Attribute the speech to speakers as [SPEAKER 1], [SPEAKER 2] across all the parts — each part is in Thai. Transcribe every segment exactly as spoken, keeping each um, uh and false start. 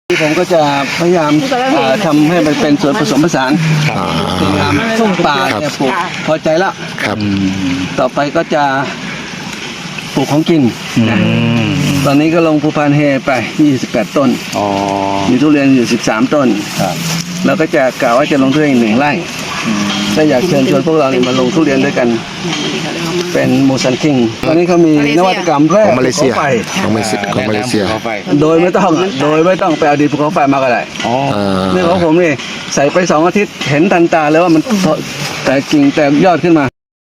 [SPEAKER 1] ผมก็จะพยายามทำให้มันเป็นส่วนผสมผสานทุ่งป่าเนี่ยปลูกพอใจแล้วต่อไปก็จะปลูกของกินตอนนี้ก็ลงภูพานเฮไปยี่สิบแปดต้นมีทุเรียนอยู่สิบสามต้นแล้วก็จะกล่าวว่าจะลงทุเรียนอีกหนึ่งไร่ถ้าอยากเชิญชวนพวกเราเนี่ยมาลงทุเรียนด้วยกันเป็นมูซันคิงตอนนี้เขามีนวัตกรรมแรกของมาเลเซีย
[SPEAKER 2] ของมาเลเซียของมาเลเซีย
[SPEAKER 1] โดยไม่ต้องโดยไม่ต้องไปเอาดินภูเขาไฟมาก็ได้นี่ของผมนี่ใส่ไปสองอาทิตย์เห็นทันตาเลยว่ามันแต่กิ่งแต่ยอดขึ้นมา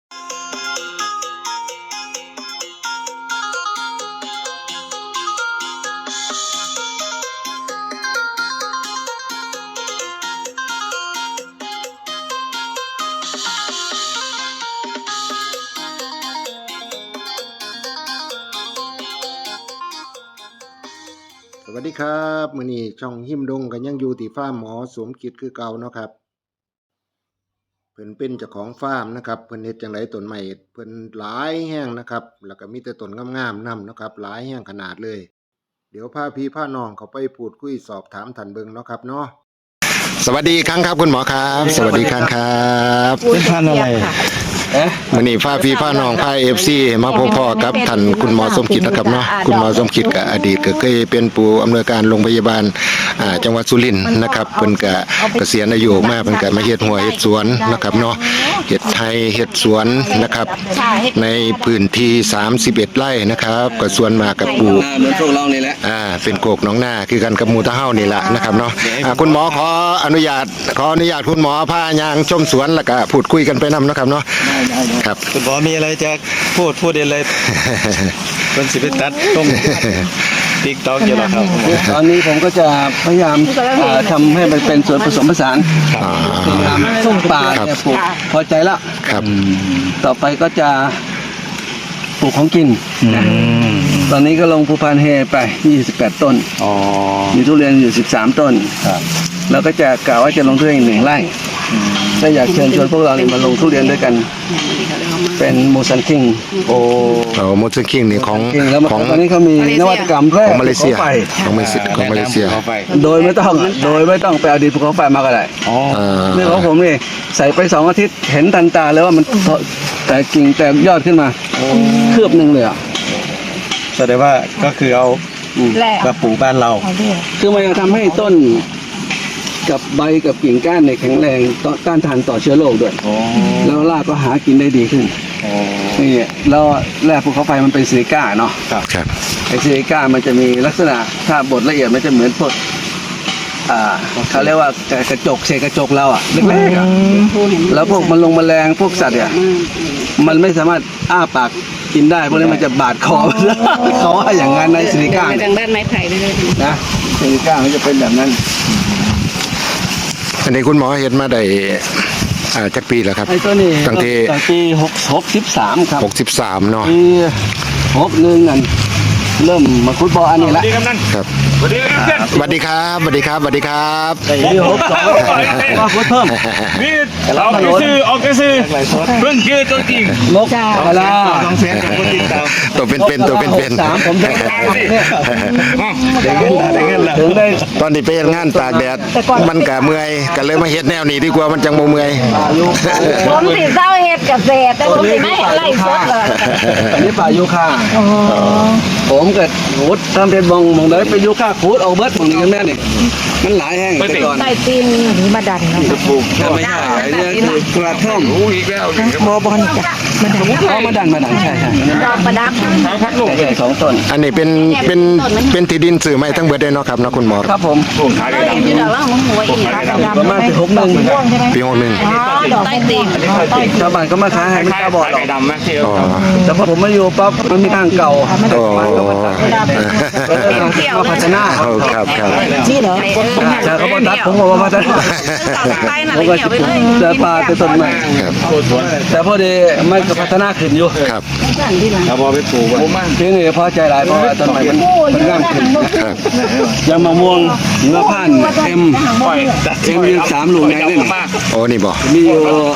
[SPEAKER 2] สวัสดีครับมื้อนี้ช่องหิมดงก็ยังอยู่ที่ฟาร์มหมอสมคิดคือเก่าเนาะครับเพิ่นเป็นเจ้าของฟาร์มนะครับเพิ่นเฮ็ดจังไดต้นไม้เพิ่นหลายแห้งนะครับแล้วก็มีแต่ต้นงามๆนำนะครับหลายแห้งขนาดเลยเดี๋ยวพาพี่พาน้องเขาไปพูดคุยสอบถามท่านเบิ่งเนาะครับเนาะสวัสดีครั้งครับคุณหมอครับสวัสดีครั้งครับ
[SPEAKER 1] เป็นพันอะไร
[SPEAKER 2] มื้อนี้พาพี่พาน้องพา เอฟ ซี มาพบพ่อกับท่านคุณหมอสมคิดนะครับเนาะคุณหมอสมคิดก็อดีตก็เคยเป็นผู้อำนวยการโรงพยาบาลอ่าจังหวัดสุรินทร์นะครับเพิ่นก็เกษียณอายุมาเพิ่นก็มาเฮ็ดหัวเฮ็ดสวนนะครับเนาะเฮ็ดไร่เฮ็ดสวนนะครับในพื้นที่สามสิบเอ็ดไร่นะครับก็ส่วนมากก็ปลูก
[SPEAKER 1] เหมือนพวกเรานี่แหละ
[SPEAKER 2] อ่าเป็นโกกหนองนาคือกันกับหมู่ตะเฮานี่ล่ะนะครับเนาะอ่าคุณหมอขออนุญาตขออนุญาตคุณหมอพาย่างชมสวนแล้วก็พูดคุยกันไปนำนะครับเนาะครับ
[SPEAKER 3] คุณหมอมีอะไรจะพูดพูดอะไรเป็นสิบตัดต้มติ๊กต๊อกอยู่แล้วครับ
[SPEAKER 1] ตอนนี้ผมก็จะพยายามทำให้มันเป็นส่วนผสมผสานทุ่งป่าเนี่ยปลูกพอใจแล้วต่อไปก็จะปลูกของกินตอนนี้ก็ลงภูพานเฮไปยี่สิบแปดต้นมีทุเรียนอยู่สิบสามต้นแล้วก็จะกล่าวว่าจะลงทุเรียนอีกหนึ่งไร่ถ้าอยากเชิญชวนพวกเราเนี่ยมาลงทุเรียนด้วยกันเป็นมูซันคิง
[SPEAKER 2] โอ้มูซันคิงนี่ของ
[SPEAKER 1] ของตอนนี้เขามีนวัตกรรมแรก
[SPEAKER 2] ของมาเลเซียของมาเลเซียของมาเลเซีย
[SPEAKER 1] โดยไม่ต้องโดยไม่ต้องไปเอาดินภูเขาไฟมาก็ได้นี่ของผมนี่ใส่ไปสองอาทิตย์เห็นทันตาเลยว่ามันแต่กิ่งแต่ยอดขึ้นมาคืบหนึ่งเลยอ่ะ
[SPEAKER 3] แสดงว่าก็คือเอากระปูบ้านเรา
[SPEAKER 1] คือมันจะทำให้ต้นกับใบกับกิ่งก้านในแข็งแรงต่อต้านทานต่อเชื้อโรคด้วยแล้วรากก็หากินได้ดีขึ้นนี่แล้วแร่ภูเขาไฟมันเป็นซิลิก้าเนาะไอซิลิก้ามันจะมีลักษณะถ้าบดละเอียดมันจะเหมือนพวกอ่าเขาเรียกว่ากระจกเศษกระจกเราอ่ะเล็กๆอ่ะแล้วพวกมันลงแมลงพวกสัตว์เนี่ยมันไม่สามารถอ้าปากกินได้เพราะนั้นมันจะบาดคอเขาว่าอย่างนั้นในซิลิก้า
[SPEAKER 4] ทางด้านไม้ไผ่เลย
[SPEAKER 1] นะซิลิก้ามันจะเป็นแบบนั้น
[SPEAKER 2] อันนี้คุณหมอเห็นมาได้อ่าจักปีแล้วครับ
[SPEAKER 1] ไอ้ตัวนี้
[SPEAKER 2] ตั้งแต่
[SPEAKER 1] ปีหกหกสิบสามครับ
[SPEAKER 2] หกสิบสามเนาะ
[SPEAKER 1] ปีหกหนึ่งนั่นเริ่มมาฟุตบอลอันนี้ละ
[SPEAKER 2] ครับสวัสดีครับสวัสดีครับสวัสดีครับสวัสดีครับ
[SPEAKER 1] ปีหกสองมาฟุตเพิ่ม
[SPEAKER 3] นี่ออกกระซื้อออกกระซื้อเพิ่งคือตัวจริง
[SPEAKER 1] นกกะลา
[SPEAKER 3] ต้องเสียกับคนจริง
[SPEAKER 2] ตัวเป็นเป็นตัวเป็นเป็น
[SPEAKER 1] สามผมได้
[SPEAKER 2] ถึงได้ตอนนี้ไปงานตากแดดมันกะเมื่อยก็เลยมาเฮ็ดแนวนี้ดีกว่ามันจังบ่เมื่อย
[SPEAKER 4] ผมสิเศร้าเฮ็ดเกษตรแต่ผมสิไม่ไล่สดเลย
[SPEAKER 1] อันนี้ป่ายูคาผมเกิดหูดทำเป็นมองมองเลยไปยูคาคูดเอาเบิร์ดมองนี่กันแม่นี่มันหลายแห้งไปก่อน
[SPEAKER 4] ใต้ตีนหรือมาดันนะ
[SPEAKER 1] ปลูกไม่ใช่เนี่ยกระท่อม
[SPEAKER 3] อีกแล้ว
[SPEAKER 4] บอบอลจ้ะ
[SPEAKER 1] มาดันมาดันใช่ใช่
[SPEAKER 4] ดอกประดับ
[SPEAKER 1] ใช่สองต้น
[SPEAKER 2] อันนี้เป็นเป็นเป็นที่ดินสื่อไม้ทั้งเบิดได้เนาะครับนะคุณหมอ
[SPEAKER 1] ครับผม
[SPEAKER 4] ขายได้ดอกว่ามึงหัวอีก
[SPEAKER 1] ประมาณปีหกหนึ่ง
[SPEAKER 2] ปีหกหนึ่ง
[SPEAKER 4] ดอกใต้ตีน
[SPEAKER 1] ชาวบ้านก็มาขายให้ไม่กล้าบอกหรอกแต่พอผมมาอยู่ปั๊บมันมีทางเก่ามาพัฒนา
[SPEAKER 2] ครับครับ
[SPEAKER 4] นี่เหรอ
[SPEAKER 1] แต่เขาบอกตัดผมบอกว่าพัฒนาผมก็จะปลาเป็นต้นใหม่แต่พอดีมันก็พัฒนาขึ้นอยู่
[SPEAKER 2] ครับ
[SPEAKER 3] ถ้าพอไปปลูก
[SPEAKER 1] ทีนี้พอใจหลายเพราะว่าต้นใหม่มันมันงามขึ้นยางมะม่วงหิมพานต์เอ็มเอ็มยืนสามหลุมไงนี่
[SPEAKER 2] โอ้นี่บอก
[SPEAKER 1] มีอยู่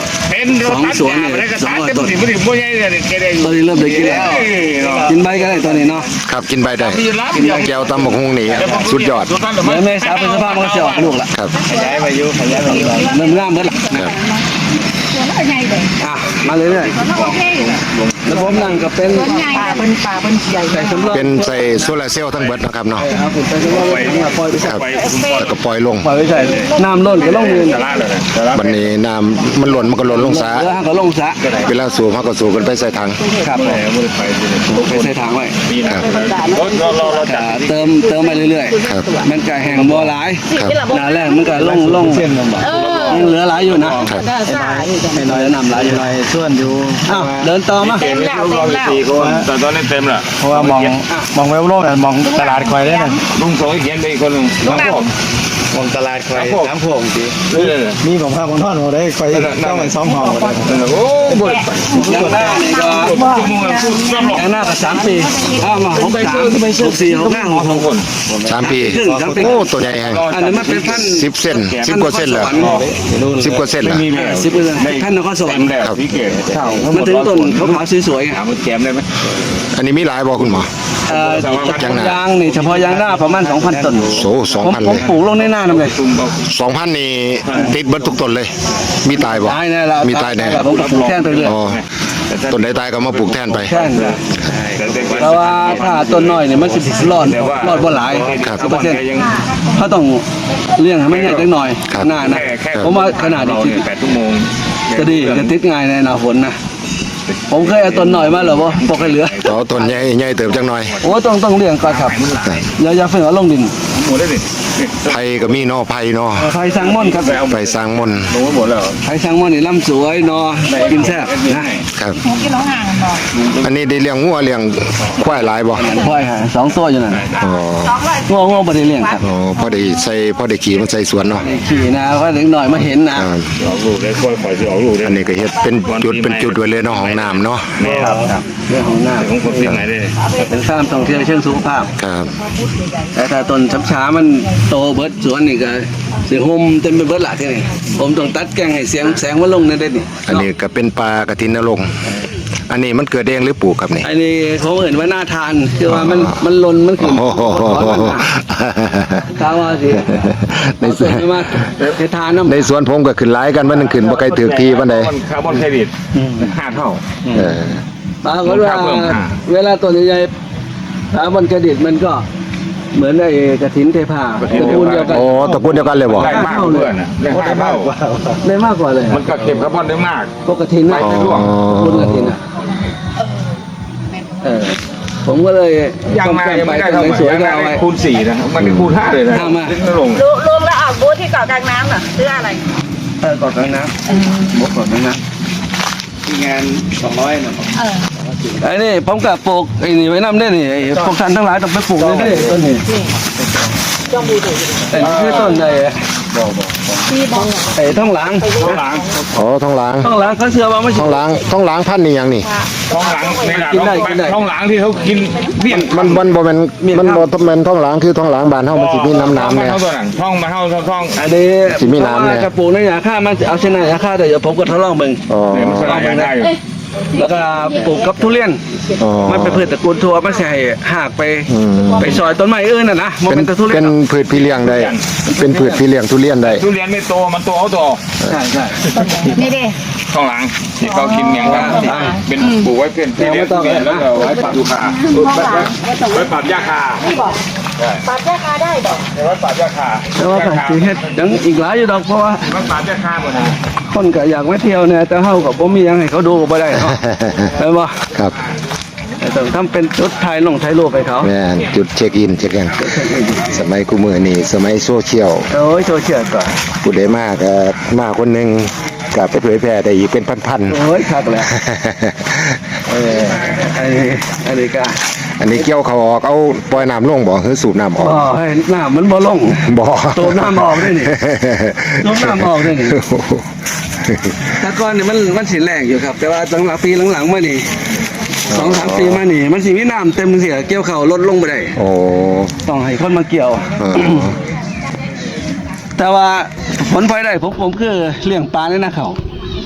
[SPEAKER 3] ห็นรถตัดหญ้าไปได้ก็ตัดเต็มที่บ่ได้บ่ใหญ่เลยแกได้
[SPEAKER 1] ตอนนี้เริ่มได้กินแล้วกินใบก็ได้ตอนนี้เนาะ
[SPEAKER 2] ครับกินใบได้แก้วตำบักฮุงนี่สุดยอด
[SPEAKER 1] เดี๋ยวเมษาพฤษภามันก็จะออกลูกละ
[SPEAKER 2] ครับ
[SPEAKER 3] ขยายไปอยู่ขยายไปอยู่
[SPEAKER 1] เริ่มง่ามเมื่อไหร่
[SPEAKER 2] ครับ
[SPEAKER 1] อ่ะมาเรื่อยๆแล้วผมนั่งก็เป็น
[SPEAKER 4] ป่าเป็นป่าเป็นใหญ่
[SPEAKER 1] ใส่สำรอง
[SPEAKER 2] เป็นใส่โซลาร์เซลล์ทั้งเบิดนะครับเนาะ
[SPEAKER 1] ครับผมใส่สำรองไว้ข้างหลังปล่อยไปใส่
[SPEAKER 2] ครับแล้วก็ปล่อยลง
[SPEAKER 1] ปล่อยไปใส่น้ำล้นก็ลงมือ
[SPEAKER 3] ตลาดเลยตลาด
[SPEAKER 2] บัดนี้น้ำมันหล่นมันก็หล่นลงสา
[SPEAKER 1] เรือก็ลงสระ
[SPEAKER 2] เวลาสูบเขาก็สูบกันไปใส่ถัง
[SPEAKER 1] ครับ
[SPEAKER 3] แหมบ่ได้ไปสิเนี่ย
[SPEAKER 1] ไปใส่ถังไว้
[SPEAKER 3] ปีนะรถเราเราเราจัด
[SPEAKER 1] อ่าเติมเติมไปเรื่อย
[SPEAKER 2] ครับ
[SPEAKER 1] ๆมันก็แห้งบ่หลาย
[SPEAKER 2] ครับ
[SPEAKER 1] หนาแรกมันก็ลงลง
[SPEAKER 3] เส้นลำบาก
[SPEAKER 4] เออ
[SPEAKER 1] ยังเหลือหลายอยู่นะ
[SPEAKER 4] ได้ซ่าอยู่จัง
[SPEAKER 1] ให้น้อยแล้วนำหลายอยู่
[SPEAKER 3] ไปส่วนอยู่
[SPEAKER 1] อ้าวเดินต่อมา
[SPEAKER 3] เต็มแล้วเต็มแล้วสี่คนแต่ตอนนี้เต็มละ
[SPEAKER 5] เพราะว่ามองมองเว็บโลกน่ะมองตลาดคอยได้น่ะ
[SPEAKER 3] ลุงโสยเขียนไปอีกคนหนึ่งน้องพวก
[SPEAKER 5] มองตลาดคอย
[SPEAKER 3] น้ำพวกสินี่เลย
[SPEAKER 5] มีของภาพของท่อนหัวได้คอยต้องเป็นสองห้องหมดเลย
[SPEAKER 3] โอ้บ่ได้ไป
[SPEAKER 1] ยังหน้านี่ก็
[SPEAKER 3] ชั่วโมงละพูดรอบ
[SPEAKER 1] ยังหน้าก็สามปีอ้าวมาหกสามหกสี่หกห้าหกหก
[SPEAKER 3] คน
[SPEAKER 2] สามปี
[SPEAKER 1] ครึ่งสามปี
[SPEAKER 2] โอ้ตัวใหญ่แฮง
[SPEAKER 1] อันนี้มันเป็นพัน
[SPEAKER 2] สิบเส้นสิบกว่าเส้นเหรอสิบกว่าเส้นเหรอ
[SPEAKER 3] มีแมว
[SPEAKER 1] สิบเปอร์เซ็นต์พันนครสวรรค์
[SPEAKER 3] แล้วพี่เกศ
[SPEAKER 1] มันถึงต้นขาวๆสวยๆไง
[SPEAKER 3] ถามมันแกมได้ไหม
[SPEAKER 2] อันนี้มีหลายบ่คุณหมอ
[SPEAKER 1] เอ่อยางนี่เฉพาะยางหน้าประมาณสองพันต้น
[SPEAKER 2] โอ้สอง
[SPEAKER 1] ผม
[SPEAKER 2] พัน
[SPEAKER 1] ผ
[SPEAKER 2] เล
[SPEAKER 1] ม
[SPEAKER 2] ย
[SPEAKER 1] ปลูกลงในหน้านั่นเลย
[SPEAKER 3] ตุ่มเอา
[SPEAKER 2] สองพันนี่ติดเบิดทุกต้นเลย มีตายบ่
[SPEAKER 1] ตายแน่ละ
[SPEAKER 2] มีตายแน่
[SPEAKER 1] ผมก็ปลูกแท่นไปเรื่อย
[SPEAKER 2] อ๋อต้นใดตายก็มาปลูกแทนไป
[SPEAKER 1] แท่นเพราะว่าถ้าต้นน้อยเนี่ยมันสิบรอดรอดบ่หลาย
[SPEAKER 2] ครับ
[SPEAKER 1] สิบเปอร์เซ็นต์เขาต้องเลี้ยงให้มันใหญ่จังหน่อย
[SPEAKER 2] ครับ
[SPEAKER 1] หน้านะผมว่าขนาดนี้
[SPEAKER 3] แปดชั่วโมง
[SPEAKER 1] จะดีจะติดง่ายในหน้าฝนนะผมเคยเอาต้นหน่อยมาเหรอวะปกให้เหลือ
[SPEAKER 2] อ๋อต้นใหญ่ใหญ่เติบจังหน่อย
[SPEAKER 1] โอ้ต้องต้องเลี้ยงก่อนครับอย่าอย่าเพิ่งเอาลงดิน
[SPEAKER 3] หมดได้ดิ
[SPEAKER 2] ไผ่ก็มีเนอไผ่เนอ
[SPEAKER 1] ไผ่สังม่อนครับ
[SPEAKER 2] ไผ่สร้างมนต์
[SPEAKER 3] ลงไปหมดแล้ว
[SPEAKER 1] ไผ่สังม่อนนี่ลำสวยนอกินแซ่บนะ
[SPEAKER 2] ครับ
[SPEAKER 4] กินน้องห่างกันบ่
[SPEAKER 2] อันนี้ได้เลี้ยงงัวเลี้ยงควายหลายบ่
[SPEAKER 1] ค่อยฮะสองตัวอยู่นั่น
[SPEAKER 2] อ๋อ
[SPEAKER 1] ง่วงง่วงบ่ได้เลี้ยงครับ
[SPEAKER 2] อ๋อพอได้ใส่พอได้ขี่มันใส่สวนเนาะ
[SPEAKER 1] ขี่นะก็เด็กหน่อยมาเห็นนะ
[SPEAKER 2] อ่า
[SPEAKER 3] ออกลูกได้ค่อยปล่อยสิออกลูกได้
[SPEAKER 2] อันนี้ก็เฮ็ดเป็นจุดเป็นจุดไว้เลยเนาะห้องน้ำเนาะ
[SPEAKER 3] แม่ครับ
[SPEAKER 1] เรื่องของหน้า
[SPEAKER 3] ของคนที่ไหนได้
[SPEAKER 1] เป็นข้ามท่องเที่ยวเชิงสุขภาพ
[SPEAKER 2] ครับ
[SPEAKER 1] แต่ถ้าต้นช้ำช้ามันโตเบิดสวนนี่ก็เสียงโฮมเต็มไปเบิดละที่นี่ผมต้องตัดแกงให้เสียงแสงมันลงนั่นได้นี่
[SPEAKER 2] อันนี้ก็เป็นปลากระทินนรงค์อันนี้มันเกิดเองหรือปลูกครับนี่
[SPEAKER 1] อันนี้เขาเอ่นว่าน่าทานคือว่ามันมันลนมันขึ้น
[SPEAKER 2] โอ้โห
[SPEAKER 1] ถามว่าสิ
[SPEAKER 2] ในสวน
[SPEAKER 1] เอามาเททานน้ำ
[SPEAKER 2] ในสวนผมก็ขึ้นหลายกันมันนึงขึ้นบ่ไกลถือทีปานใด
[SPEAKER 3] คาร์บอนเครดิตห้าเท่า
[SPEAKER 2] เออ
[SPEAKER 1] ปรากฏว่า
[SPEAKER 3] เพิ่มค่า
[SPEAKER 1] เวลาต้นใหญ่ๆถามมันกระดิดมันก็เหมือนไอ้กระถินเทพาตระกูลเดียวกัน
[SPEAKER 2] โอ้ตระกูลเดียวกันเลยบ่
[SPEAKER 3] ได้มากเพื่อนนะได้ห้าเท่า
[SPEAKER 1] ได้มากกว่าเลย
[SPEAKER 3] มันก็เก็บคาร์บอนได้มาก
[SPEAKER 1] พวกกระถินนะ
[SPEAKER 2] อ๋อ
[SPEAKER 1] คุณกระถินอ่ะเออผมก็เลย
[SPEAKER 3] ยังมายังไม่ได้
[SPEAKER 1] ต้
[SPEAKER 3] เท่าน ไห
[SPEAKER 1] ไหน
[SPEAKER 3] ร่
[SPEAKER 1] สวย
[SPEAKER 3] ยัง
[SPEAKER 1] ก็
[SPEAKER 3] ได้
[SPEAKER 1] เอาไว้
[SPEAKER 3] คูณสี่นะมันได้คูณห้าเลยนะ
[SPEAKER 1] ห้ามา
[SPEAKER 3] ทิ้งลง
[SPEAKER 4] ลุงลุงแล้วออกบูธที่เกาะกลางน้ำเหรอซื้ออะไร
[SPEAKER 1] เออกอดกลางน้ำบกกอดกลางน้ำที่งานสองร้อยนะ
[SPEAKER 4] เออ
[SPEAKER 1] ไอ้นี่ผมกับปลูกไอ้นี่ไว้น้ำได้นี่ไอ้พวกท่านทั้งหลายต้องไปปลูกเลยนี่ต้นนี้
[SPEAKER 4] จอมบูถูก
[SPEAKER 1] ไอ้นี่คือต้นไอ้
[SPEAKER 4] ที่บอก
[SPEAKER 1] ไอ้ท้องหลัง
[SPEAKER 3] ท้องหลัง
[SPEAKER 2] อ๋อท้องหล้าง
[SPEAKER 1] ท้องหลังเขาเชื่อว่าไม่
[SPEAKER 2] ท้
[SPEAKER 1] ใช่
[SPEAKER 2] องหล้างท้องหล้างพันธุ์นี่หยังนี่
[SPEAKER 3] ท้องหลังในหลัง
[SPEAKER 1] กินได้กินได้
[SPEAKER 3] ท้องหลังที่เขากินเบี้ยน
[SPEAKER 2] มันมันบ่แม่นมันบ่ทำแม่นท้องหล้างคือท้องหล้างบ้านเฮามันสิมีน้ำน้ำ
[SPEAKER 3] เนี่
[SPEAKER 2] เนี่ย ย
[SPEAKER 3] ท้องตัวนั้นท้องมาเท่าท้อง
[SPEAKER 1] อันนี้
[SPEAKER 2] สิมีน้ำเนี่ย
[SPEAKER 1] กระปลูกในยาฆ่ามันเอาชนะยาฆ่าแต่เดี๋ยวผมก็ทดลองมึง
[SPEAKER 2] อ๋อ
[SPEAKER 3] เนี่ยมันสลายได้อยู่
[SPEAKER 1] แล้วก็ปลูกกับทุเรียน
[SPEAKER 2] อ๋อ
[SPEAKER 1] มันเป็นพืชตระกูลถั่วไม่ใช่หากไป
[SPEAKER 2] อืม
[SPEAKER 1] ไปซอยต้นไม้อื่นน่ะนะมัน
[SPEAKER 2] เป็น
[SPEAKER 1] เป็นแต่ทุเรีย
[SPEAKER 2] เป็น นพืชพี่เลี้ยงได้ เป็นพืชพี่เลี้ยงทุเรียนได้
[SPEAKER 3] ทุเรียนไม่โตมันโตเอาโต
[SPEAKER 1] ใช่ใช่
[SPEAKER 4] นี่ดิ
[SPEAKER 3] ท้องหลังที่เขากินอย่างนั้นเป็นปลูกไว้เพื่อนที่เลี้ยงทุเรียนแล้วก็ไว้ปรับยูคาไว้ปรับยาคา
[SPEAKER 4] ปรับราคาได้ดอก
[SPEAKER 3] ไว้ปรับยาคา
[SPEAKER 1] แต่ว่าผมสิเฮ็ดยังอีกหลายอยู่ดอกเพราะว่า
[SPEAKER 3] ไว้ปรับยาคาหมดนะ
[SPEAKER 1] คนก็อยากมาเที่ยวเนี่ยแต่เฮาก็บ่มีหยังให้เขาดูก็บ่ได้เนาะเห็นบ่
[SPEAKER 2] ครับ
[SPEAKER 1] แต่ต้องทำเป็นจุดถ่ายลงถ่ายรูปให้เขา
[SPEAKER 2] แม่นจุดเช็คอินเช็คอินสมัยกูมือนี่สมัยโซเชียล
[SPEAKER 1] โอ้ยโซเชียลก่อน
[SPEAKER 2] ผู้ใดมากก็มาคนหนึงก็ไปเผยแพร่ได้อีกเป็นพัน
[SPEAKER 1] โอ้ยคักแหละ
[SPEAKER 2] ๆ
[SPEAKER 1] เอออันนี้อันนี้ก็
[SPEAKER 2] อันนี้เกี่ยวเขาออกเอาปล่อยน้ำลงบ่หรือสูบน้ำออก
[SPEAKER 1] อ๋อให้น้ำมันบ่ลง
[SPEAKER 2] บ่
[SPEAKER 1] สูบน้ำออกได้นี่ สูบน้ำออกได้นี่ แต่ก่อนนี่มันมันสิแรงอยู่ครับ แต่ว่าหลังๆปีหลังๆมานี่สองสามปีมานี่มันสิมีน้ำเต็มเสียเกี่ยวเขาลดลงไปได้
[SPEAKER 2] โอ้
[SPEAKER 1] ต้องให้คนมาเกี่ยว
[SPEAKER 2] เออ
[SPEAKER 1] แต่ว่าผลพลอยได้ผมผมคือเลี้ยงปลาในนาเขา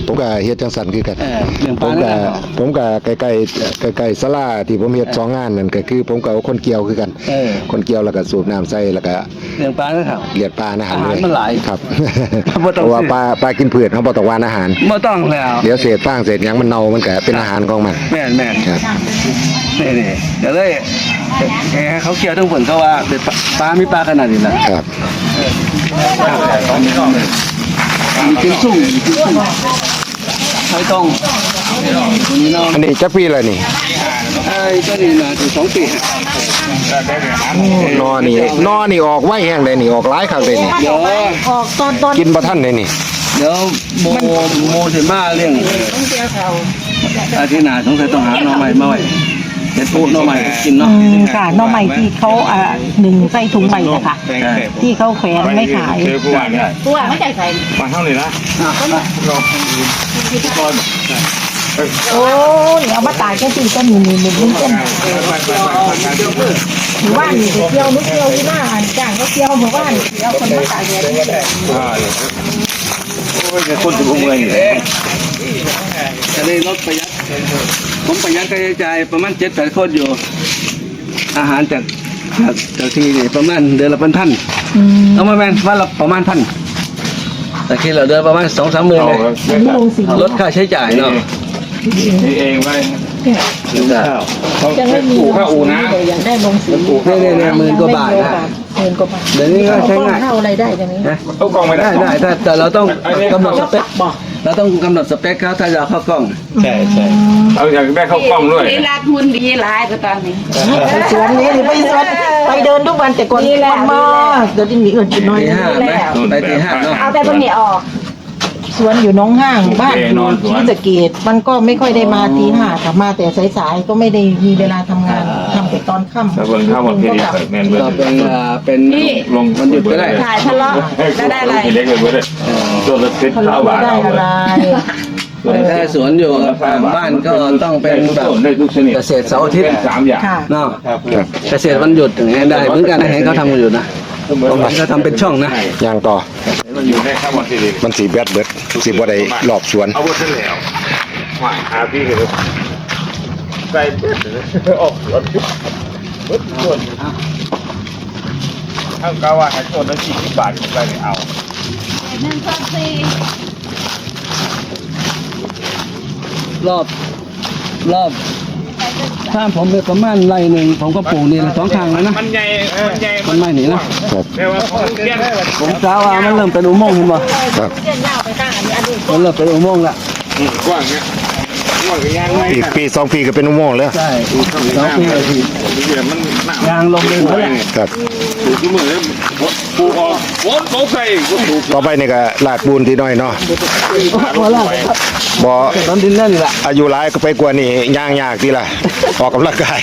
[SPEAKER 2] ผมก็เฮ็ดจังซั่นคือกัน
[SPEAKER 1] เออเลี้ยงป
[SPEAKER 2] ผ
[SPEAKER 1] ลาม
[SPEAKER 2] ก็
[SPEAKER 1] นะ
[SPEAKER 2] ผมก็ใกล้ๆใกล้ๆศาลาที่ผมเฮ็ดสองงานนั่นก็คือผมก็เอาคนเกี่ยวคือกัน
[SPEAKER 1] เออ
[SPEAKER 2] คนเกี่ยวแล้วก็สูบน้ำใส่แล้วก็
[SPEAKER 1] เลี้ยงปลานะครับ
[SPEAKER 2] เลียดปลาอาหาร
[SPEAKER 1] อาหาร
[SPEAKER 2] เลย
[SPEAKER 1] มันหลาย
[SPEAKER 2] ครับ
[SPEAKER 1] บ่ต้อง
[SPEAKER 2] เพราะว่า
[SPEAKER 1] ซื้อ
[SPEAKER 2] ปลาปลากินพืชเขาบ่ต้องหวานอาหาร
[SPEAKER 1] ไม่ต้องแล้ว
[SPEAKER 2] เดี๋ยวเศษฟางเศษหยังมันเน่ามันก็เป็นอาหารของมัน
[SPEAKER 1] แม่นแม่น
[SPEAKER 2] ครับ
[SPEAKER 1] นี่นี่เดี๋ยวเลยเอ้เขาเกี่ยวทั้งผลก็ว่าเด็ดปลามีปลาขนาดนี้นะครับ มีกินสุ่มมีกินสุ่มไข่ตรงนี่เนาะ
[SPEAKER 2] อันนี้จักปีแล้วนี่
[SPEAKER 1] ไอ้ก็นี่นะถึงสองปี
[SPEAKER 2] นอนี่นอนี่ออกไว้แห้งเลยนี่ออกหลายครั้งเลยนี่
[SPEAKER 1] เดี๋ยว
[SPEAKER 4] ออกตอนตอน
[SPEAKER 2] กินบ่ทันเลยนี่
[SPEAKER 1] เดี๋ยวโมโมถึงมาเรื่องอาทิตย์หน้าสงสัยต้องหาหน่อใหม่มาไว้เด็ดปุ๊หน่อใหม่กินเนาะ
[SPEAKER 6] อืมค่ะหน่อใหม่ที่เขาอ่าหนึ่งใส่ถุงใหม่นะคะที่เขาแขวนไม่ขาย
[SPEAKER 3] เจอผู้ว่าเนี่ย
[SPEAKER 4] ตัวไม่ใจใส่
[SPEAKER 3] มาเท่านี้นะ
[SPEAKER 6] โอ้ยเอามาตากแค่ตีก็มีมีมีมีเส้นหรือว่ามีเที่ยวนุกเที่ยวที่หน้าจ้างก็เที่ยวหมู่บ้านเที่ยวคนมาตากแดดนี่แหละ
[SPEAKER 3] โอ้ยคนถึงเมืองอยู่
[SPEAKER 1] จะได้ลดประหยัดผมประหยัดค่าใช้จ่ายประมาณเจ็ดแปดคนอยู่ อาหารจากจากจากที่นี่ประมาณเดือนละเป็นพัน
[SPEAKER 6] อืม
[SPEAKER 1] เอามาแมนวันละประมาณพันแต่ที่เราเดือนประมาณสองสามหมื่นเลย
[SPEAKER 6] อันนี้ลงสี
[SPEAKER 1] ลดค่าใช้จ่ายเนาะ
[SPEAKER 3] นี่เองไว้
[SPEAKER 6] ยังไม่มี
[SPEAKER 3] อู่ข้าอู่นะ
[SPEAKER 6] เลยยังได้ลงสี
[SPEAKER 1] เนี่ยเนี่ยเนี่ยหมื่นกว่าบาทนะ
[SPEAKER 6] หมื่นกว่าบาท
[SPEAKER 1] เดี๋ยวนี้ก็ใช้ง่าย
[SPEAKER 6] เท่าอะไรได้อย่างนี้
[SPEAKER 1] นะ
[SPEAKER 3] เอากล้องไม่ได้
[SPEAKER 1] ได้ได้แต่แต่เราต้องกำหนดสเปคเราต้องกำหนดสเปคเขาถ้าจะเอาเข้ากล้อง
[SPEAKER 5] ใช่ใช่
[SPEAKER 3] เอาอยากได้เข้ากล้องด้วย
[SPEAKER 4] นี่รักหุ่นดีหลายก็ตอนนี้
[SPEAKER 6] ไปสวนนี้ไปสวนไปเดินทุกวันแต่ก่อนมันมากเดี๋ยวนี้มีเงินกินน้อย
[SPEAKER 1] ตีห้าไหมไปตีห้าเนาะ
[SPEAKER 4] เอาแต่ตรงนี้ออก
[SPEAKER 6] สวนอยู่หน้องห้างบ้านอยู่ที่สะเกดมันก็ไม่ค่อยได้มาตีห้าแต่มาแต่สายๆก็ไม่ได้มีเวลาทำงานทำแต่ตอนค่ำ
[SPEAKER 3] แล้วเบิ่งข้าวหมดเพล
[SPEAKER 6] ก็
[SPEAKER 3] ง
[SPEAKER 6] กลับ
[SPEAKER 3] แมนเบิ่ง
[SPEAKER 1] ก็เป็นอ่าเป็น
[SPEAKER 4] นี่
[SPEAKER 3] ลง
[SPEAKER 1] วันหยุดก็ได้
[SPEAKER 4] ถ่ายทะเลาะแล้วได้อะไร
[SPEAKER 3] เล็กเลยเว้ยตัวละสิบ
[SPEAKER 6] เขา
[SPEAKER 3] เท่า
[SPEAKER 6] ไม่
[SPEAKER 3] บาท
[SPEAKER 6] ได้อะไร
[SPEAKER 1] ถ้าสวนอยู่บ้านก็ต้องเป็นแบบ
[SPEAKER 3] ได้ทุกชนิด
[SPEAKER 1] เกษตรเสาร์อาทิตย์
[SPEAKER 3] สามอย่าง
[SPEAKER 6] ค่ะ
[SPEAKER 1] เนาะเกษตรวันหยุดอย่างเงี้ยได้เหมือนกันนะเห็นเขาทำกันอยู่นะผมก็ทำเป็นช่องนะ
[SPEAKER 2] ย่างต่อ
[SPEAKER 3] มันอยู่ได้ข้าวหมดทีเดียว
[SPEAKER 2] มันสีแบดเบิดสิบ่ได้รอบสวน
[SPEAKER 3] เอาหมดเสร็จแล้วว่าหาพี่เลยใส่เบิดเลยออกรถเบิดส่วนข้างกาว่าให้คนละสี่สิบบาทไปเลยเอา
[SPEAKER 4] หนึ่งสองสี่
[SPEAKER 1] รอบรอบถ้าผมเป็นประมาณไร่หนึ่งผมก็ปลูกนี่ละสองข้างแล้วนะ
[SPEAKER 3] มันใหญ่มันใหญ่
[SPEAKER 1] มันไม่หนีนะ
[SPEAKER 2] ครับ
[SPEAKER 3] แต่ว่าของเกี้ยน
[SPEAKER 1] ผมกล่าวว่ามันเริ่มเป็นอุโมงค์เห็นบ่
[SPEAKER 2] ครับ
[SPEAKER 6] เส้นยาวไปข้างอันนี้อันนี้
[SPEAKER 1] มันเริ่มเป็นอุโมงค์ละ
[SPEAKER 3] กว้างเนี้ยกว้างกับยางไง
[SPEAKER 2] อีกปีสองปีก็เป็นอุโมงค์แล้ว
[SPEAKER 1] ใช่สองปีเลยที
[SPEAKER 3] เดี๋ยวมันหนัก
[SPEAKER 1] ยางลงเลยหมดแล้ว
[SPEAKER 2] ครับ
[SPEAKER 3] ถูกทุกมือเลยปูออกโอ้โหใส่ก็ถูก
[SPEAKER 2] ต่อไปนี่ก็ลาดปูนที่น้อยเนาะ
[SPEAKER 1] พอแล้ว
[SPEAKER 2] บ่
[SPEAKER 1] ตอนดินนั่นนี่แหละ
[SPEAKER 2] อายุหลายก็ไปกว่านี่ย่างยากทีละออกกำลังกาย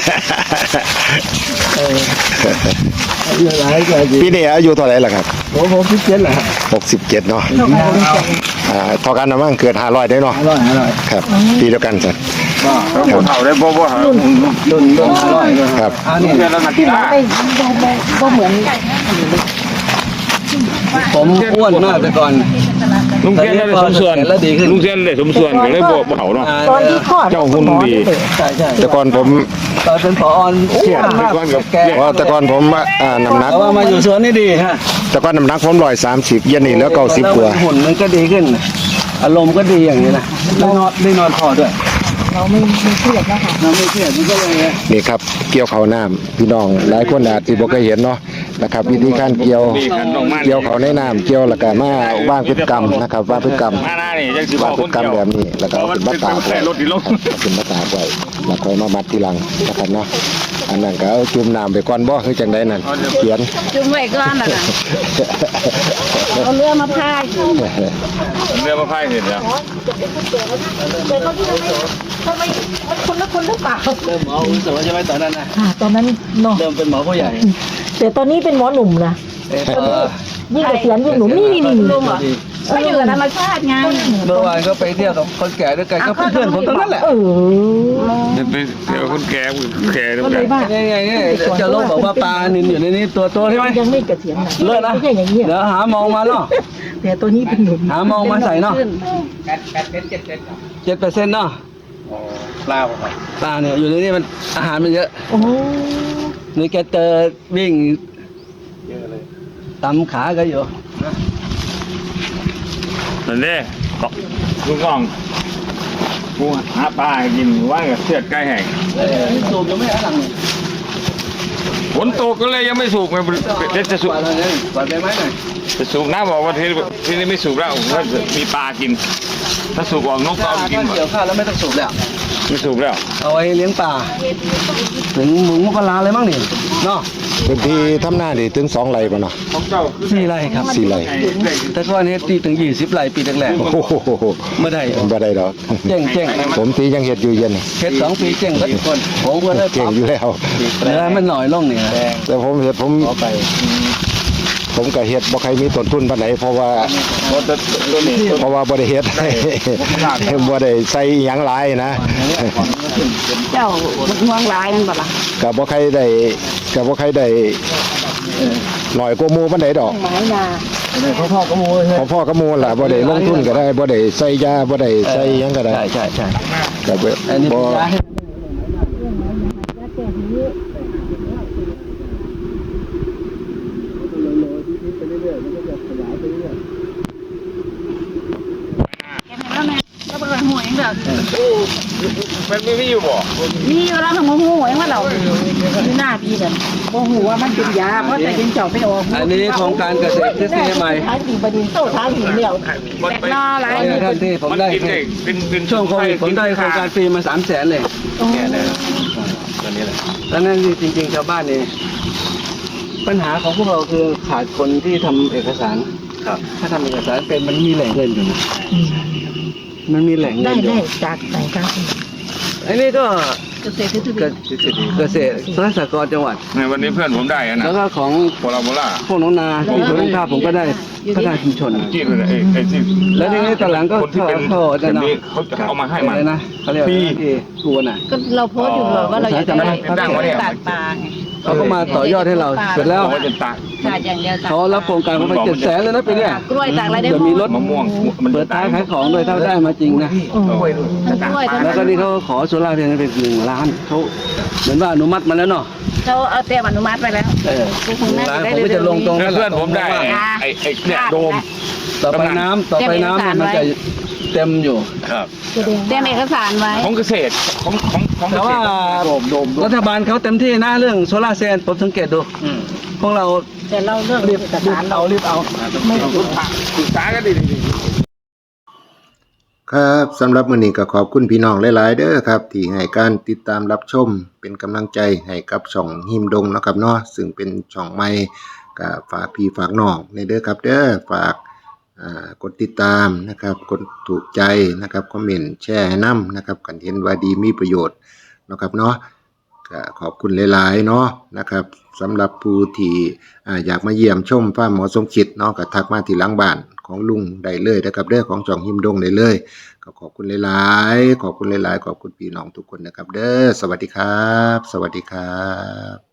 [SPEAKER 1] เยอะหลายก็ดี
[SPEAKER 2] ปีนี้อายุเท่าไหร่ล่ะครับ
[SPEAKER 1] ผมผมพิเศษแหละ
[SPEAKER 2] หกสิบเจ็ดเนาะอ่าเท่ากันนะมั้งเกิดห้าร้อยได้เนาะ
[SPEAKER 1] อร่อยอร่อย
[SPEAKER 2] ครับปีเดียวกันจ้ะ
[SPEAKER 3] เขาเท่าได้บ่บ่หา
[SPEAKER 1] รุ่นรุ่นอร่อย
[SPEAKER 2] ครับ
[SPEAKER 1] อันนี้
[SPEAKER 3] เดือนละนาทีละ
[SPEAKER 6] ไม่ไม่ก็เหมือน
[SPEAKER 1] ผมอ้วนมากแต่ก่อน
[SPEAKER 3] ลุงเทียนได้สมส่วนลุงเทียนได้สมส่วนก็เลยบ่เผาเนาะ
[SPEAKER 6] ตอนที่คลอด
[SPEAKER 3] เจ้าหุ่นดี
[SPEAKER 1] ใช่ใช่
[SPEAKER 2] แต่ก่อนผม
[SPEAKER 1] ตอนเป็นผออ้วนมากแก
[SPEAKER 2] เพราะแต่ก่อนผมอ่าน้ำหนัก
[SPEAKER 1] แต่ว่ามาอยู่สวนนี่ดีฮะ
[SPEAKER 2] แต่ก่อนน้ำหนักผมร้อยสามสิบเย็นนี่แล้วเก้าสิบกว่า
[SPEAKER 1] หุ่นมันก็ดีขึ้น อารมณ์ก็ดีอย่างนี้นะได้นอนได้นอนพอด้วย
[SPEAKER 6] เราไม่ไม่เครียดแล้วค่ะ
[SPEAKER 1] เราไม่เครียดมันก็เลย
[SPEAKER 2] นี่ครับเกี่ยวเขาวน้ำพี่น้องหลายคนอาจสิบ่เคยเห็นเนาะนะครับ วิธีการเกี่ยวเกี่ยวเขาในน้ำเกี่ยวแล้วก็มาว่างพฤติกรรมนะครับว่างพฤติกรรม
[SPEAKER 3] มาหน้านี่จังสิบ
[SPEAKER 2] ว่า
[SPEAKER 3] อก
[SPEAKER 2] พฤ
[SPEAKER 3] ค
[SPEAKER 2] ติ
[SPEAKER 3] น
[SPEAKER 2] กรรม
[SPEAKER 3] เดียว
[SPEAKER 2] แบบนี้แล้วก็เอา
[SPEAKER 3] มั
[SPEAKER 2] เป็น น
[SPEAKER 3] เป็
[SPEAKER 2] มาน ตาก
[SPEAKER 3] คน
[SPEAKER 2] ไว้
[SPEAKER 3] ใส่รถดีลง
[SPEAKER 2] เอาเป็นมาตากไว้แล้วค่อยมามัดทีหลังนะครับเนาะอันนั้นก็เอาจุ่มน้ำไปก่อนบ่คือจังไดนั่นเขียน
[SPEAKER 4] จุ่มไว้ก่อนน่ะนะเอาเรือมาพาย
[SPEAKER 3] เรือมาพายเห็นแล้ว
[SPEAKER 6] แต่ตอนที่ทำไมมันคนละคนหรือเปล่า
[SPEAKER 1] เริ่มหมออุตสาหใช่ไหมตอนนั้นนะ
[SPEAKER 6] ค่ะตอนนั้นเนาะ
[SPEAKER 1] เริ่มเป็นหมอผู้ใหญ่
[SPEAKER 6] แต่ตอนนี้เป็นหมอหนุ่มนะ
[SPEAKER 1] เอ่อ
[SPEAKER 6] ยิ่งเกษียณยิ่งหนุ่มนี่นี่นี่
[SPEAKER 4] ลุงเหรอ
[SPEAKER 1] ส
[SPEAKER 4] ก็อยู่กับธรรมชาติไง
[SPEAKER 1] เมื่อวานก็ไปเที่ยวกับคนแก่ด้วยกันก็เพื่อนผมทั้งนั้นแหละ
[SPEAKER 6] เออ
[SPEAKER 3] จะไปเดี๋ยวคนแก่แก่แล้ว
[SPEAKER 6] ก็เลยว่า
[SPEAKER 1] นี่ไงนี่จะลงบอกว่าปลานินอยู่ในนี้ตัวโตใช่ไหม
[SPEAKER 6] ยังไม่เกษียณนะ
[SPEAKER 1] เลิศนะ
[SPEAKER 6] ไม่ใช่อย่างนี้
[SPEAKER 1] เดี๋ยวหามองมาเนาะ
[SPEAKER 6] แต่ตัวนี้เป็นหนุ่ม
[SPEAKER 1] หามองมาใส่เนาะ
[SPEAKER 5] แปดแปดเซนเจ็ดเซนครับ
[SPEAKER 1] เจ็ดเปอร์เซ็นต์เนาะ
[SPEAKER 5] ปลาครับ
[SPEAKER 1] ปลาเนี่ยอยู่ในนี้มันอาหารมันเยอะ
[SPEAKER 6] โอ้
[SPEAKER 1] นี่แกเจอวิ่ง
[SPEAKER 5] เยอะเลย
[SPEAKER 1] ตำขาก็อยู่
[SPEAKER 3] นั่นเด้ลุงกองกูหาปลากินว่ากับเสียดใกล้แห้ง
[SPEAKER 1] เออสูบยังไม่หลังนี่
[SPEAKER 3] ฝนตกก็เลยยังไม่สูบไงเดี๋ยวจะสูบ
[SPEAKER 1] ปลาอะไรเนี่ยปลาใบไม้หน่อย
[SPEAKER 3] จะสูบน้ำบอกว่าที่ที่นี่ไม่สูบแล้วว่ามีปลากิน ถ้าสูบออกนกก็
[SPEAKER 1] ถ้า
[SPEAKER 3] เอาไปกินหมด
[SPEAKER 1] เกี่ยวข้าวแล้วไม่ต้องสูบแล้ว
[SPEAKER 3] ไม่สูบแล้ว
[SPEAKER 1] เอาไว้เลี้ยงปลาถึงหมูปลาอะไรบ้างนี่เนาะ
[SPEAKER 2] พื้นที่ทำหน้านี่ถึงสองไร่ป่ะเนาะ
[SPEAKER 3] ของเจ้าคือ
[SPEAKER 1] สี่ไร่ครับ
[SPEAKER 2] สี่ไร่
[SPEAKER 1] แต่ก่อนนี้ตีถึงยี่สิบไร่ปีแรก
[SPEAKER 2] โอ้โห
[SPEAKER 1] ๆไม่ได้
[SPEAKER 2] บ่ได้ดอก
[SPEAKER 1] เจ๊งเจ๊ง
[SPEAKER 2] ผมตียังเฮ็ดอยู่เย็นนี่
[SPEAKER 1] เฮ็ดสองปีเจ๊งทุกคนผมก็เลย
[SPEAKER 2] เก่งอยู่แล้ว
[SPEAKER 1] เหลือมันหน่อยลงนี่นะ
[SPEAKER 2] แต่ผมเฮ็ดผมผมก็เฮ็ดบ่ใครมีต้นทุนปานใดเพราะว่า
[SPEAKER 3] ตัวนี้
[SPEAKER 2] เพราะว่าบ่ได้เฮ็ด บ่ได้ใส่หยังหลายนะ
[SPEAKER 4] เจ้าห่วงหลายมันบ่ล่ะ
[SPEAKER 2] ก็บ่ใครได้ก็บ่ใครได้หน่อยกว่าหมู่ปานใดดอก
[SPEAKER 6] หมายนา
[SPEAKER 1] พ่อพ่อก็มูเลย
[SPEAKER 2] พอพ่อก็หมู่ล่ะบ่ได้ลงทุนก็ได้บ่ได้ใส่ยาบ่ได้ใส่หยังก็ได้
[SPEAKER 1] ใช่ใช่ใช่
[SPEAKER 2] ก็บ่
[SPEAKER 1] อันนี้
[SPEAKER 2] บ่
[SPEAKER 1] เป็นยาให้
[SPEAKER 4] แกเห็นแล้วแม่ก็เปิดหูเองเด้อ
[SPEAKER 3] มันไม่มีอยู่บ่
[SPEAKER 4] มีอยู่แล้วถึงมาหูเองว่าเรา
[SPEAKER 6] ที่หน้าพี่เนี่ยโมโหว่ามันเป็นยาเพราะแต่เป็นเจ้าไม่ออก
[SPEAKER 1] อันนี้โครงการเกษตรทฤษฎีใหม่
[SPEAKER 6] ท้ายปีบดินโต้ท้ายหินเหนียว
[SPEAKER 3] มันไป
[SPEAKER 4] นอหลาย
[SPEAKER 1] เอาเนี่ยท่านที่ผม
[SPEAKER 3] มัน
[SPEAKER 1] ได้
[SPEAKER 3] กินได้เป็นเป็น
[SPEAKER 1] ช่วงโควิดผมได้โครงการฟรีมาสามแสนเลย
[SPEAKER 5] แก่เลยตอนนี้แหละ
[SPEAKER 1] ตอนนั้นจริงๆชาวบ้านนี่ปัญหาของพวกเราคือขาดคนที่ทำเอกสาร
[SPEAKER 5] ครับ
[SPEAKER 1] ถ้าทำเอกสารเป็นมันมีแหล่งเงินอยู่นะมันมีแหล่งเงิ
[SPEAKER 6] ได้
[SPEAKER 1] นอยู่
[SPEAKER 6] ได้จากไหนครับ
[SPEAKER 1] อันนี้ก็
[SPEAKER 4] เกษตรทฤษฎี
[SPEAKER 1] เกษตรเกษตรสหกรณ์จังหวัด
[SPEAKER 3] ในวันนี้เพื่อนผมได้อะนะ
[SPEAKER 1] แล้วก็ของ
[SPEAKER 3] โบราณโบราณ
[SPEAKER 1] พวกน้องนาที่สวนข้าวผมก็ได้พัฒนาชุมชน
[SPEAKER 3] ที่เลยไอ้ไอ้ที่
[SPEAKER 1] แล้วทีนี้ตอนหลังก็
[SPEAKER 3] คนที่เป็น
[SPEAKER 1] เข้า
[SPEAKER 3] แบ
[SPEAKER 1] จะ
[SPEAKER 3] บ
[SPEAKER 1] นำ
[SPEAKER 3] นี้เขาจะเอามาให้มัน
[SPEAKER 1] อะไรนะเขาเรียกว่า
[SPEAKER 3] ฟรี
[SPEAKER 1] ที่กูน่ะ
[SPEAKER 4] ก็เราโพสต์อยู่เลยว่าเราอยากจะได้
[SPEAKER 3] ดังวะเนี่ย
[SPEAKER 4] ตัดปลาไง
[SPEAKER 1] เขาก็มาต่อยอดให้เราเสร็จแล้ว
[SPEAKER 3] บอกว่าจะตาก
[SPEAKER 4] ขาดอย่างเดียวตัด
[SPEAKER 1] เขารับโครงการเขาไปเจ็ดแสนเลยนะปีเนี้ย
[SPEAKER 4] กล้วยตากอะไรได้
[SPEAKER 1] จะมีรถ
[SPEAKER 3] มะม่วงมัน
[SPEAKER 1] เปิดท้ายขายของด้วยถ้าได้มาจริงนะ
[SPEAKER 3] กล้วย
[SPEAKER 4] ทั้งกล้วยทั้ง
[SPEAKER 1] แล้วก็นี่เขาขอโซล่าร์เซลล์เป็นหนึ่งล้านเขาเหมือนว่าอนุมัติมาแล้วเนาะ
[SPEAKER 4] เขาเอาเตรียมอนุมัติไปแล้ว
[SPEAKER 1] เออ
[SPEAKER 4] คงน่า
[SPEAKER 1] ล้าน
[SPEAKER 4] จะได้
[SPEAKER 1] ผมก็จะลงตรง
[SPEAKER 3] แล้วเพื่อนผมได้ไอ้ไอ้เนี่ยโดม
[SPEAKER 1] ต่อไปน้ำต่อไปน้ำเนี่ยมันจะเต็มอยู่
[SPEAKER 3] ครับ
[SPEAKER 4] เตรียมเอกสารไว้
[SPEAKER 3] ของเกษตรของของของเก
[SPEAKER 1] แต่
[SPEAKER 3] ษ
[SPEAKER 1] ว่า
[SPEAKER 3] ตรโดมโดม
[SPEAKER 1] รัฐบาลเขาเต็มที่นะเรื่องโซล่าร์เซลล์ผมสังเกตดูพวกเรา
[SPEAKER 6] แต่เราเรื่อง
[SPEAKER 1] รีบ
[SPEAKER 6] เอกสาร
[SPEAKER 1] เอารีบเอา
[SPEAKER 6] ไม่
[SPEAKER 3] ศึกษาศึกษากันดี
[SPEAKER 2] ครับสำหรับมื้อนี้ก็ขอบคุณพี่น้องหลายๆเด้อครับ ที่ให้การติดตามรับชมเป็นกำลังใจให้กับช่องหิมดงเนาะครับเนาะซึ่งเป็นช่องใหม่ก็ฝากพี่ฝากน้องในเด้อครับเด้อฝากอ่ากดติดตามนะครับกดถูกใจนะครับคอมเมนต์แชร์ให้นํนะครับกันเห็นว่าดีมีประโยชน์เนาะครับเนาะก็ขอบคุณหลายๆเนาะนะครับสำหรับผู้ที่อ่าอยากมาเยี่ยมชมฟาร์มหมอสมคิดเนาะก็ทักมาที่หลังบ้านของลุงได้เลยนะครับเด้อของช่องหิมดงได้เลยก็ขอบคุณหลายๆขอบคุณหลายๆขอบคุณพี่น้องทุกคนนะครับเด้อสวัสดีครับ สวัสดีครับ